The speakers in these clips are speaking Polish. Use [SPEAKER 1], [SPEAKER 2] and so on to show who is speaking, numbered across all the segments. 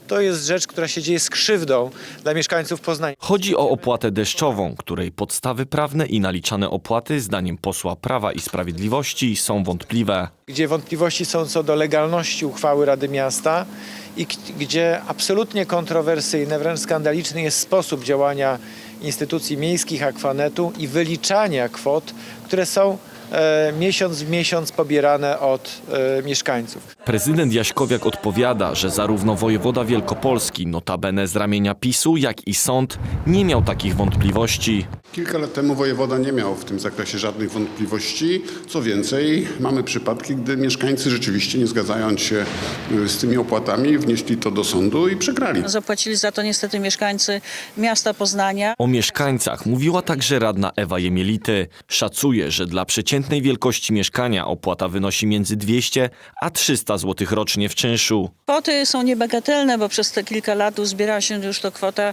[SPEAKER 1] to jest rzecz, która się dzieje z krzywdą dla mieszkańców Poznania.
[SPEAKER 2] Chodzi o opłatę deszczową, której podstawy prawne i naliczane opłaty, zdaniem posła Prawa i Sprawiedliwości, są wątpliwe.
[SPEAKER 1] Gdzie wątpliwości są co do legalności uchwały Rady Miasta i gdzie absolutnie kontrowersyjny, wręcz skandaliczny jest sposób działania instytucji miejskich, Aquanetu i wyliczania kwot, które są miesiąc w miesiąc pobierane od mieszkańców.
[SPEAKER 2] Prezydent Jaśkowiak odpowiada, że zarówno wojewoda wielkopolski, notabene z ramienia PiS-u, jak i sąd nie miał takich wątpliwości.
[SPEAKER 3] Kilka lat temu wojewoda nie miał w tym zakresie żadnych wątpliwości. Co więcej, mamy przypadki, gdy mieszkańcy rzeczywiście, nie zgadzając się z tymi opłatami, wnieśli to do sądu i przegrali.
[SPEAKER 4] Zapłacili za to niestety mieszkańcy miasta Poznania.
[SPEAKER 2] O mieszkańcach mówiła także radna Ewa Jemielity. Szacuje, że dla przeciętnej wielkości mieszkania opłata wynosi między 200 a 300 zł rocznie w czynszu.
[SPEAKER 4] Kwoty są niebagatelne, bo przez te kilka lat uzbiera się już to kwota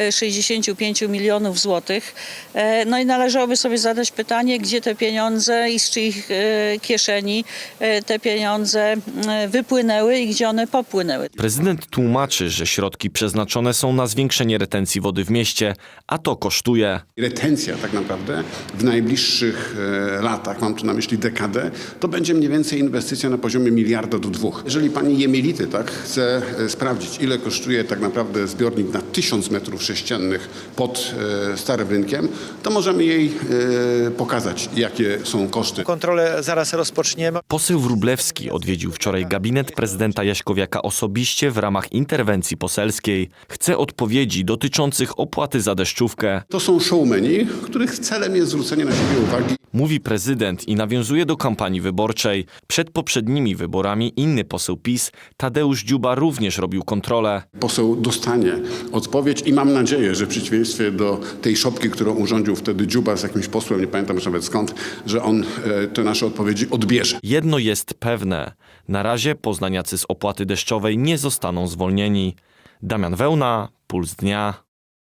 [SPEAKER 4] 65 milionów złotych. No i należałoby sobie zadać pytanie, gdzie te pieniądze i z czyich kieszeni te pieniądze wypłynęły i gdzie one popłynęły.
[SPEAKER 2] Prezydent tłumaczy, że środki przeznaczone są na zwiększenie retencji wody w mieście, a to kosztuje.
[SPEAKER 3] Retencja tak naprawdę w najbliższych latach, mam tu na myśli dekadę, to będzie mniej więcej inwestycja na poziomie 1 miliarda do 2. Jeżeli pani Jemielity chce sprawdzić, ile kosztuje tak naprawdę zbiornik na 1000 metrów sześciennych pod Starym Rynkiem, to możemy jej pokazać, jakie są koszty.
[SPEAKER 1] Kontrolę zaraz rozpoczniemy.
[SPEAKER 2] Poseł Wróblewski odwiedził wczoraj gabinet prezydenta Jaśkowiaka osobiście w ramach interwencji poselskiej. Chce odpowiedzi dotyczących opłaty za deszczówkę.
[SPEAKER 3] To są showmeni, których celem jest zwrócenie na siebie uwagi.
[SPEAKER 2] Mówi prezydent i nawiązuje do kampanii wyborczej. Przed poprzednimi wyborami inny poseł PiS, Tadeusz Dziuba, również robił kontrolę.
[SPEAKER 3] Poseł dostanie odpowiedź i mam nadzieję, że w przeciwieństwie do tej szopki, którą urządził wtedy Dziuba z jakimś posłem, nie pamiętam już nawet skąd, że on te nasze odpowiedzi odbierze.
[SPEAKER 2] Jedno jest pewne. Na razie poznaniacy z opłaty deszczowej nie zostaną zwolnieni. Damian Wełna, Puls Dnia.